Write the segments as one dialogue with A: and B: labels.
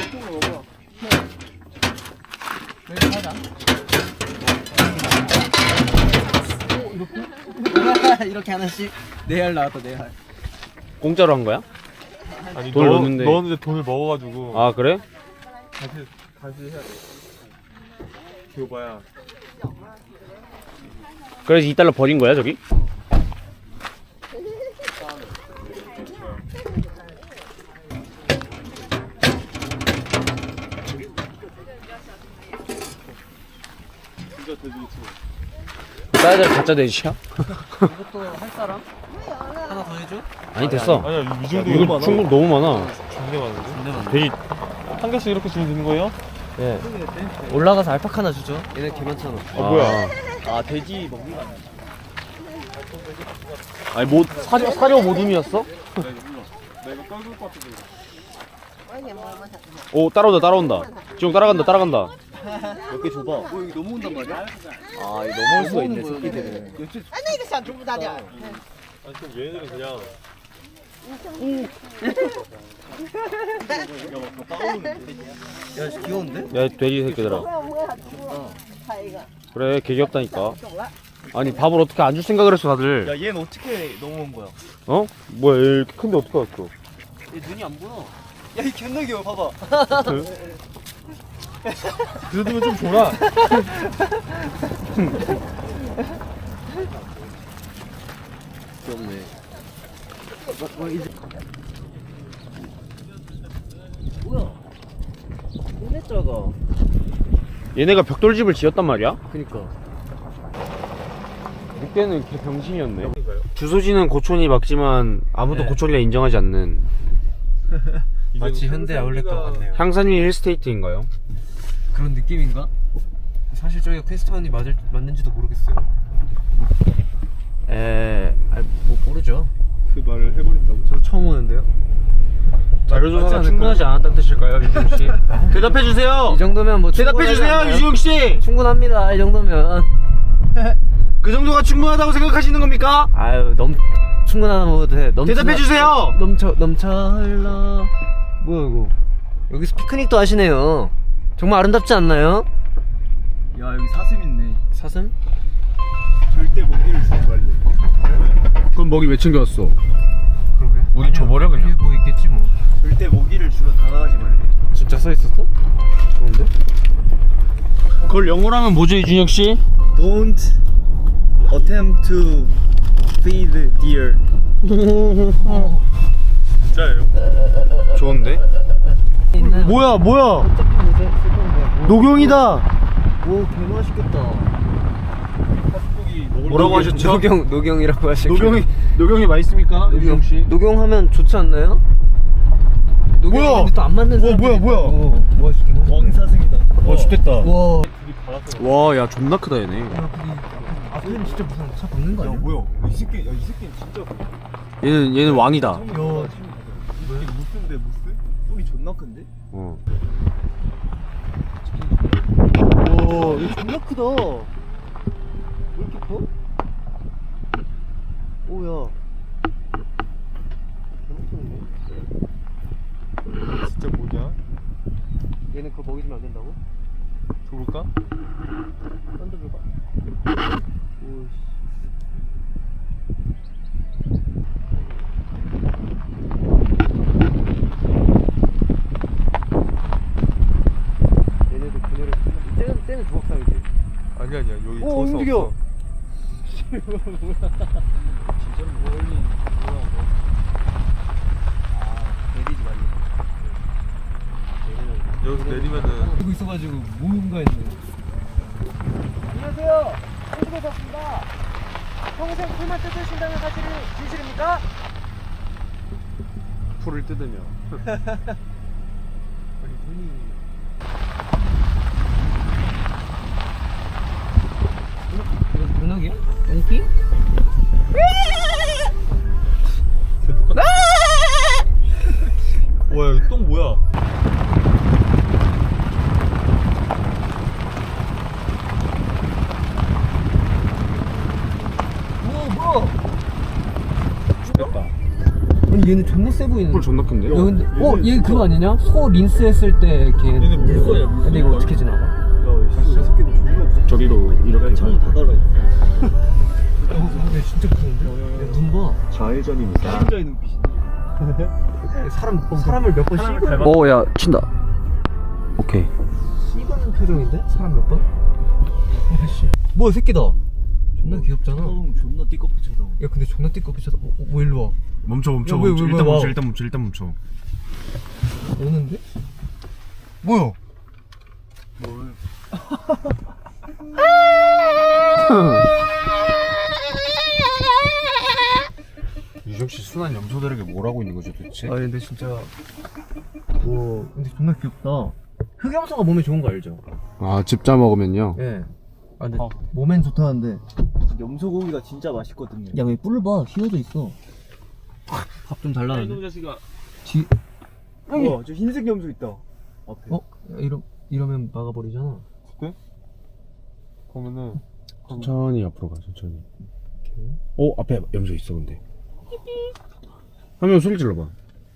A: 여기 가자. 이렇게? 이렇게 하나씩. 4알 나왔다 4알.
B: 공짜로 한 거야?
C: 아니
B: 돈을 넣는데.
C: 넣었는데 돈을 먹어가지고.
B: 아 그래?
C: 다시 해야 돼. 기호봐야.
B: 그래서 2달러 버린 거야 저기?
C: 진짜 돼지 유튜브.
B: 싸야 가짜 돼지야?
A: 이것도 할 사람? 하나 더 해줘?
B: 아니 됐어.
C: 아니야 이 정도
B: 이거 충분 너무 많아.
C: 존나 많은데?
B: 돼지
C: 한 개씩 이렇게 주면 되는 거예요?
B: 예.
A: 올라가서 알파카 하나 주죠. 얘네 개 많잖아.
B: 뭐야?
A: 아 돼지 먹는 거 아니야?
B: 아니 뭐 사료 모둠이었어?
C: 내가 떨굴 것 같아.
B: 오 따라온다. 지금 따라간다.
A: 몇 개 줘봐. 여기 넘어온단 말이야? 아 이거 넘어올 수가 있네 새끼들은.
C: 아니 그럼 얘네들은 그냥.
A: 야 귀여운데?
B: 야 돼지 새끼들아. 그래 개 귀엽다니까. 아니 밥을 어떻게 안 줄 생각을 했어 다들.
A: 야 얘는 어떻게 넘어온 거야?
B: 어? 뭐야 얘 이렇게 큰데 어떻게 왔어?
A: 얘 눈이 안 보여. 야이 존나 귀여워 봐봐.
C: 그 정도면 좀 줘라.
A: 귀엽네. 뭐야? 얘네 작아.
B: 얘네가 벽돌집을 지었단 말이야?
A: 그니까.
B: 그때는 개 병신이었네. 주소지는 고촌이 맞지만 아무도
A: 네.
B: 고촌이라 인정하지 않는
A: 마치 현대 아울렛과 같네요.
B: 향산위 힐스테이트인가요?
A: 그런 느낌인가? 사실 저희가 퀘스트원이 맞는지도 모르겠어요. 뭐 모르죠.
C: 그 말을 해버린다고?
A: 저도 처음 오는데요.
B: 자료조사가 충분하지 않았다는 뜻일까요, 유지용 씨? 대답해 주세요.
A: 이 정도면 뭐
B: 대답해 주세요, 유지용 씨.
A: 충분합니다. 이 정도면.
B: 그 정도가 충분하다고 생각하시는 겁니까?
A: 아유 충분하다 먹어도 돼.
B: 대답해 주세요.
A: 넘쳐 흘러. 뭐야 이거? 여기서 피크닉도 하시네요. 정말 아름답지 않나요?
D: 야 여기 사슴 있네.
A: 사슴?
D: 절대 모기를 주지 말래.
B: 그럼 먹이 왜 챙겨왔어?
A: 그러게.
B: 모기 줘버려 그냥.
A: 뭐 있겠지 뭐.
D: 절대 모기를 주러 다가가지 말래.
A: 진짜 써 있었어? 좋은데?
B: 그걸 영어로 하면 뭐죠, 이준혁 씨?
D: Don't attempt to feed deer.
C: 진짜예요?
B: 좋은데? 뭐야? 녹용이다.
A: 오 개맛있겠다.
B: 뭐라고 하셨죠?
A: 녹용이라고 하시고.
B: 녹용이 맛있습니까, 이준혁 씨?
A: 녹용하면 좋지 않나요?
B: 뭐야?
A: 근데 또 안 맞는 사람.
B: 뭐야?
A: 뭐 개맛있겠다.
D: 왕사슴이다.
B: 좋됐다.
A: 와.
B: 와, 야, 존나 크다 얘네.
A: 앞에는 진짜 무슨 차 박는 거
D: 야
A: 아니야?
D: 뭐야? 이 새끼 진짜.
B: 얘는 왕이다.
D: 야 이게 무스인데 무스? 뿔이 존나 큰데?
B: 어.
A: 와 이거 존나 크다. 왜 이렇게 커? 오야.
C: 진짜 뭐냐?
A: 얘는 그거 먹이 주면 안 된다고?
C: 줘볼까?
A: 던져볼까? 오씨. 얘네도 그녀를 쟤는 조각상이지.
C: 아니야 여기
A: 오,
C: 줄 수
A: 움직여.
C: 없어.
D: 진짜로 멀리 뭐야 뭐. 아 내리지 말래.
C: 여기서 내리면은
A: 들고 있어가지고 뭔가 했네.
E: 안녕하세요. 홍수배 덕입니다. 평생 풀만 뜯으신다는 사실이 진실입니까?
B: 풀을 뜯으며.
A: 아니 눈이. 이거 문어기야? 똥띠?
C: 와 여기 똥 뭐야?
A: 뭐?
B: 됐다.
A: 아니 얘는 존나 세 보이는데.
B: 뿔 존나 큰데?
A: 야 근데 얘 그거 아니냐? 소 린스 했을 때 걔.
C: 얘는 물소야, 물소.
A: 근데 이거 어떻게 지나가?
D: 야이 새끼들 존나 없어.
B: 저기로 이렇게
D: 창문 다 달아.
A: 근데 진짜 무서운데? 눈 봐.
D: 좌회전입니다. 혼자의 눈빛인데.
A: 사람을 몇 번 씹은
B: 오야 친다. 오케이.
A: 씹은 표정인데? 사람 몇 번? 아씨 뭐야 새끼다. 존나 귀엽잖아.
D: 존나 띠꺼풀처럼.
A: 야 근데 존나 띠꺼비쳐서 뭐 일로 와.
B: 멈춰
A: 야, 왜,
B: 일단
A: 와.
B: 멈춰 일단 멈춰.
A: 오는데? 뭐야?
B: 유정 씨 순한 염소들에게 뭘 하고 있는 거죠 도대체?
A: 아 근데 진짜 뭐 근데 존나 귀엽다. 흑염소가 몸에 좋은 거 알죠?
B: 아 집자 먹으면요.
A: 예. 아 근데 몸엔 좋다는데
D: 염소고기가 진짜 맛있거든요.
A: 야 왜 뿔을 봐 휘어져 있어. 밥 좀 달라는데.
C: 자식아.
A: 뒤
D: 우와 저 흰색 염소 있다. 앞에.
A: 야, 이러면 막아버리잖아.
C: 그러면은
B: 천천히 앞으로 가 천천히. 오 앞에 염소 있어 근데. 한 명 소리 질러봐.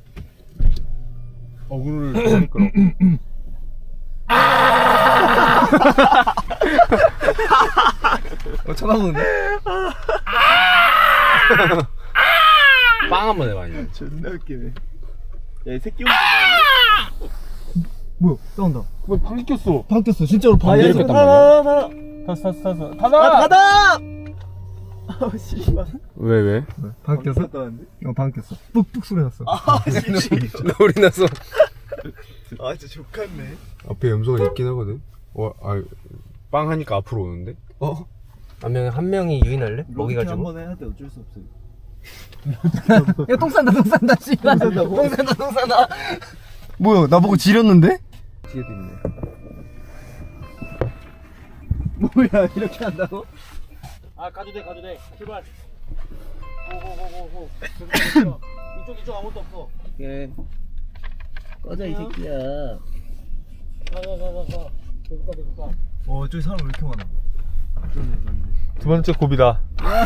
C: 어그로를 잘 끌어.
A: 쳐다보는데?
B: 빵 한번 해봐 아니면.
D: 존나 웃기네. 야이 새끼 염소.
A: 뭐야 나온다.
C: 왜 방귀 꼈어?
A: 바뀌었어 진짜로
B: 이렇게
A: 바뀌었어.
B: 했단 말이야.
C: 탔어.
D: 닫아! 아 씨발.
B: 왜?
A: 바뀌었어?
D: 닫았는데?
A: 바뀌었어. 뿍뿍 소리 났어.
D: 아 씨.
B: 우리 나서.
D: 아 진짜 족같네.
B: 앞에 염소가 있긴 하거든. 빵 하니까 앞으로 오는데.
A: 한 명이 유인할래? 먹이가지고.
D: 한번 해야 돼 어쩔 수 없어요.
A: 야 똥 싼다 씨발. 똥 산다. 뭐야 나보고 지렸는데?
D: 뒤에도 있네. 뭐야 이렇게 한다고?
E: 아 가도 돼 출발. 고고고고고. 이쪽 아무것도 없어.
A: 예. 꺼져 이 새끼야.
E: 가. 계속 가.
D: 저기 사람 왜 이렇게 많아?
C: 두 번째 고비다.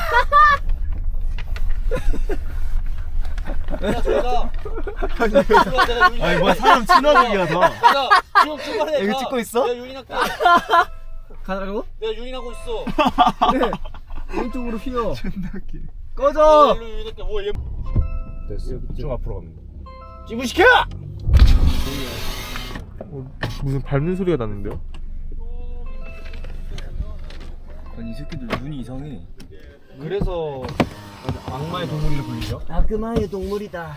E: 야 저희가.
D: 아니 뭐야 사람 친화적이야 너.
E: 내가 지금 출발해.
D: 이거 찍고 있어?
E: 내가 유인할게.
A: 가라고?
E: 내가 유인하고 있어.
A: 그래. 오른쪽으로 휘어.
D: 존나 웃기.
A: 꺼져.
E: 일로 유인할게. 뭐 얘.
B: 됐어. 쭉 앞으로 가면 돼.
E: 지부시켜.
C: 무슨 밟는 소리가 나는데요?
D: 아니 이 새끼들 눈이 이상해.
E: 그래서 악마의 동물이라 불리죠.
A: 악마의 동물이다.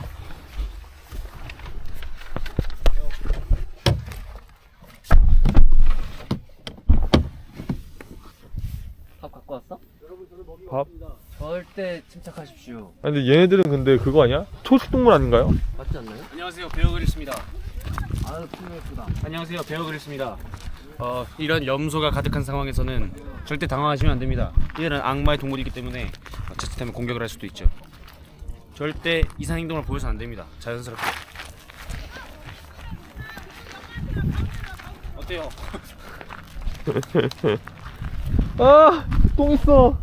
A: 밥 갖고 왔어?
C: 밥?
A: 절대 침착하십시오.
C: 아니 근데 얘네들은 근데 그거 아니야? 초식동물 아닌가요?
A: 맞지 않나요?
B: 안녕하세요 베어그릴스입니다.
A: 아유 품 예쁘다.
B: 안녕하세요 베어그릴스입니다. 이런 염소가 가득한 상황에서는 절대 당황하시면 안 됩니다. 이들은 악마의 동물이기 때문에 자칫하면 공격을 할 수도 있죠. 절대 이상 행동을 보여서는 안 됩니다. 자연스럽게. 어때요?
C: 아! 똥 있어!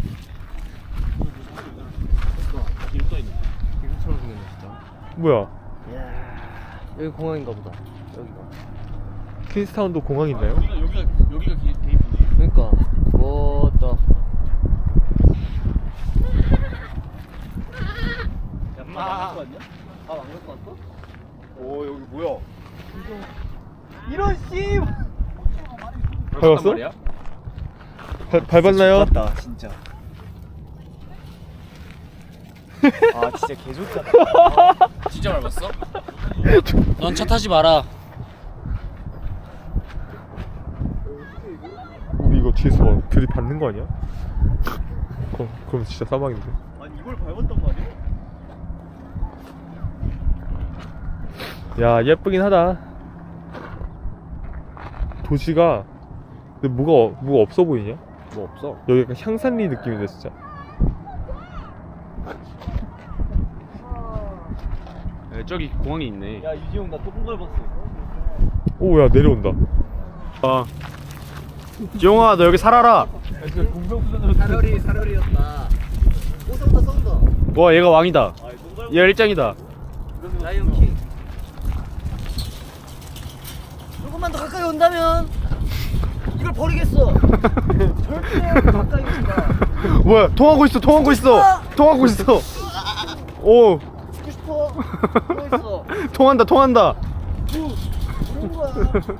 B: 뒤로 떠 있네.
A: 이거처럼 생겼네 진짜.
C: 뭐야?
A: 여기 공항인가 보다. 여기가.
C: 퀸스타운도 공항 있나요?
B: 여기가 개이쁘네.
A: 그러니까. 뭐다.
E: 안 갖고 왔어?
D: 오 여기 뭐야?
E: 이런 씨.
C: 밟았어? 밟았나요?
D: 다 진짜. 아 진짜 개좋잖아.
B: 진짜 밟았어? 넌 차 타지 마라.
C: 우리 이거 뒤에서 막 들이받는 거 아니야? 그럼 진짜 사망인데.
D: 아니 이걸 밟았단 말이야?
C: 야 예쁘긴 하다. 도시가 근데 뭐가 없어 보이냐?
B: 뭐 없어?
C: 여기 약간 향산리 느낌인데 진짜.
B: 저기 공항이 있네.
E: 야 유지용 나 똥 밟았어.
C: 오 야 내려온다.
B: 지용아 너 여기 살아라.
A: 사려리였다. 쏜다.
B: 와 얘가 왕이다.
E: 아똥
B: 열장이다.
A: 라이온킹. 조금만 더 가까이 온다면 이걸 버리겠어. 절대 가까이 오지 마.
B: 뭐야? 통하고 있어. 통하고 있어. 통하고 있어. 오.
A: 죽고 싶어. 뭐 있어?
B: 통한다. 통한다.
A: 그런 거야.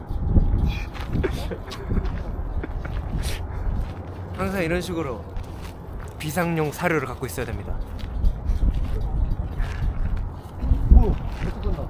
A: 항상 이런 식으로 비상용 사료를 갖고 있어야 됩니다. 오, 계속 간다.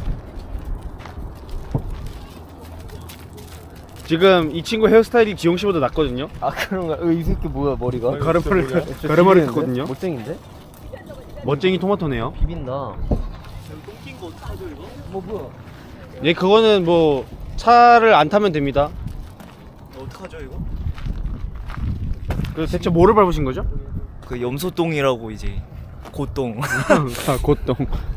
B: 지금 이 친구 헤어스타일이 지용 씨보다 낫거든요.
A: 아 그런가? 이 새끼 뭐야 머리가?
B: 가르마를 탔거든요.
A: 멋쟁인데?
B: 멋쟁이 토마토네요.
A: 비빈다.
D: 똥낀 거 어떡하죠 이거?
A: 뭐 뭐야?
B: 예, 그거는 뭐 차를 안 타면 됩니다.
D: 어떡하죠 이거?
B: 그 대체 뭐를 밟으신 거죠?
D: 그 염소똥이라고 이제 고똥.
B: 아, 곧동.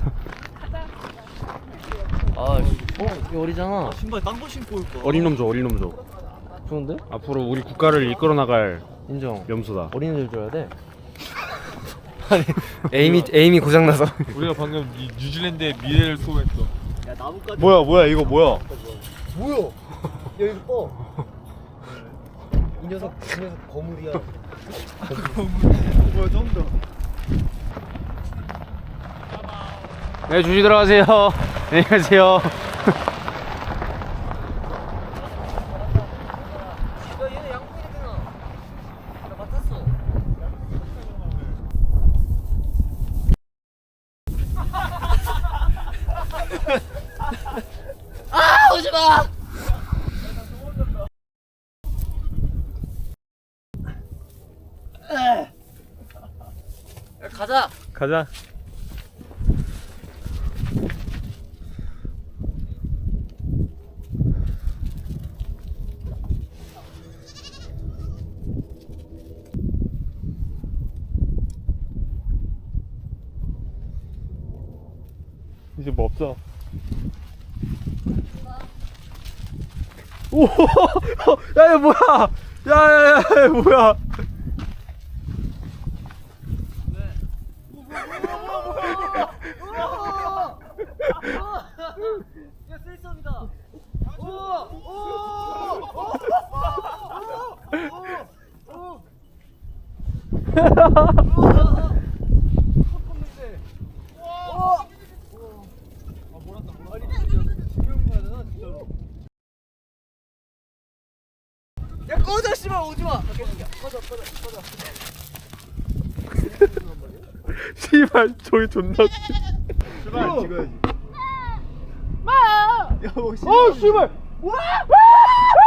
A: 아, 이거 어리잖아.
D: 신발 딴 거 신고 올 거.
B: 어린 놈 줘. 어린 놈 줘.
A: 좋은데?
B: 앞으로 우리 국가를 이끌어 나갈
A: 인정.
B: 염소다.
A: 어린애들 줘야 돼. 아니 에임이 고장 나서.
C: 우리가 방금 이 뉴질랜드의 미래를 소개했어.
D: 야 나뭇가지.
B: 뭐야 이거 뭐야?
A: 뭐야? 야 이거 뻐. 이 녀석 거물이야.
D: 뭐야 좀 더.
B: 네, 조심 들어가세요. 안녕히 가세요.
A: 야 얘네 양푼이잖아. 나 맡았어. 아 오지 마. 가자.
C: 가자. 이제 뭐 없어.
B: 오, 야, 이거 뭐야? 야, 뭐야?
A: 야 셀썸이다. 야 꺼져 씨발 오지마. 꺼져.
C: 씨발 저기 존나.
D: 출발 찍어야지.
A: 어 씨발.